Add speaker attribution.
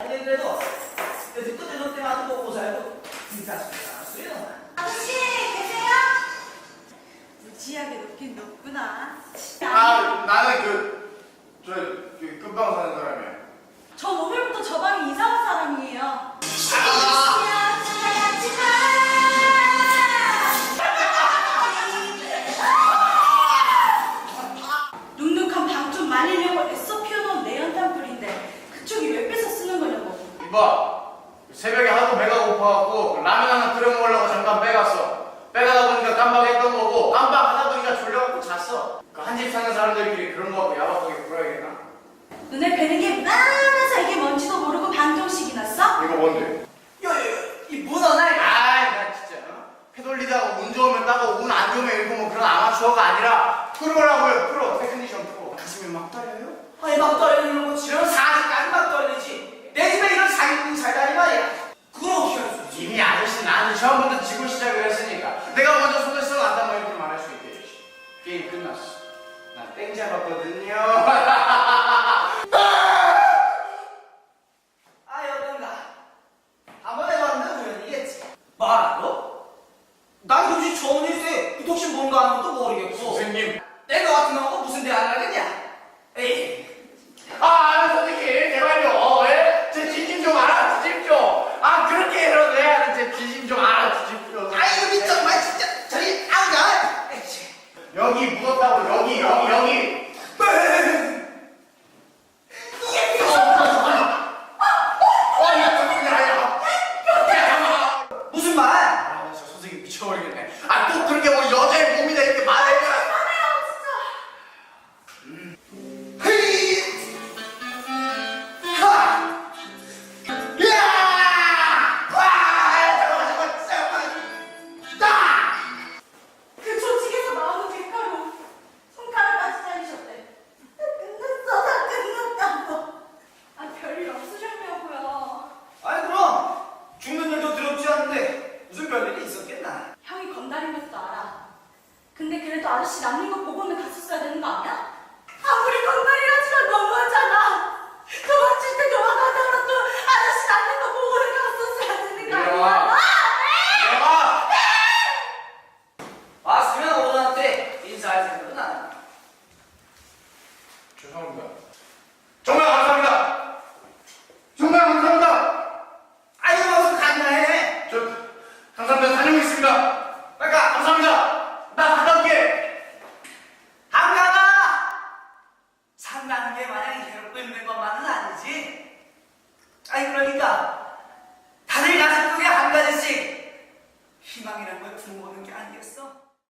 Speaker 1: 아니 그래도 듣고 들을 때마다 먹고 살고 수요.
Speaker 2: 아저씨 계세요? 무지하게 높긴 높구나.
Speaker 3: 아, 나는 그 금방 사는 사람이야.
Speaker 2: 전 오늘부터 저 방에 이사 온 사람이에요. 눅눅한 방 좀 말리려고 애써 피워놓은 내연탄불인데 그쪽이 왜 뺏어 쓰는 거냐고.
Speaker 3: 이봐, 새벽에 하도 배가 고파갖고 라면 하나 끓여 먹으려고 잠깐 빼갔어. 빼가다 보니까 깜빡했던 거고 깜빡하다 보니까 졸려갖고 잤어. 그 한 집 사는 사람들끼리 그런 거 갖고 야박하게 굴어야겠나?
Speaker 2: 눈에 뵈는 게 많아서 이게 뭔지도 모르고 방정식이 났어?
Speaker 3: 이거 뭔데?
Speaker 1: 이 문어나
Speaker 3: 아이, 나 진짜 패 돌리다가 운 좋으면 따고 운 안 좋으면 읽고 뭐 그런 아마추어가 아니라 프로라고요. 프로, 테크니션 프로. 가슴이 막 떨려요?
Speaker 1: 아니 막 떨리는 거 지금 40까지 막 떨리지. 내 집에 이런 사기꾼 살다니 말이야. 그걸 어떻게 할 수 있지?
Speaker 3: 이미 아저씨 나는 처음부터 지고 시작을 했으니까 내가 먼저 손을 써놨단 말이지 말할 수 있게. 게임 끝났어. 나 땡 잡았거든요.
Speaker 1: 아 여긴가. 한번 해봤는데 우연이겠지. 말하고? 난 도대체 처음 일세 이 독신 뭔가 하는 것도 모르겠고.
Speaker 3: 선생님.
Speaker 1: 내가 같은 놈하고 무슨 대화를 하겠냐? 에이.
Speaker 3: 선생님, 제발요. 예? 제 진심 좀 알아주십시오. 그렇게 해야 제 진심 좀 알아주십시오.
Speaker 1: 아이고 미쳤마 진짜. 저기 아우가.
Speaker 3: 여기 묻었다고, 여기.
Speaker 1: 무슨 말?
Speaker 3: 나 진짜 선생님 미쳐버리겠네. 꼭 그렇게 뭐 여자의 몸이다 이렇게 말해.
Speaker 2: 그 조직에서 나오는 객가로 손가락까지 잘리셨대. 다 끝났다고. 별일 없으셨냐고요.
Speaker 1: 아니 그럼 죽는 일도 두렵지 않은데 무슨 별일이 있었겠나?
Speaker 2: 형이 건달인 것도 알아. 근데 그래도 아저씨 남는 거 보고는 갔었어야 되는 거 아니야? 아무리 건달이라지만 너무하잖아. 도망칠 때 도망가더라도 아저씨 남는 거 보고는 갔었어야 되는 거 아니야?
Speaker 1: 왔으면 오전한테 인사할 생각은 안 해.
Speaker 3: 죄송합니다. 정말 감사합니다. 정말 감사합니다.
Speaker 1: 아이고 무슨 간단해.
Speaker 3: 저 감사합니다. 다녀오겠습니다.
Speaker 1: 그러니까
Speaker 3: 감사합니다. 나 갔다 올게.
Speaker 1: 안 가나? 산다는 게 마냥 괴롭고 힘든 것만은 아니지. 아니 그러니까 다들 가슴 속에 한 가지씩 희망이란 걸 품어오는 게 아니겠어?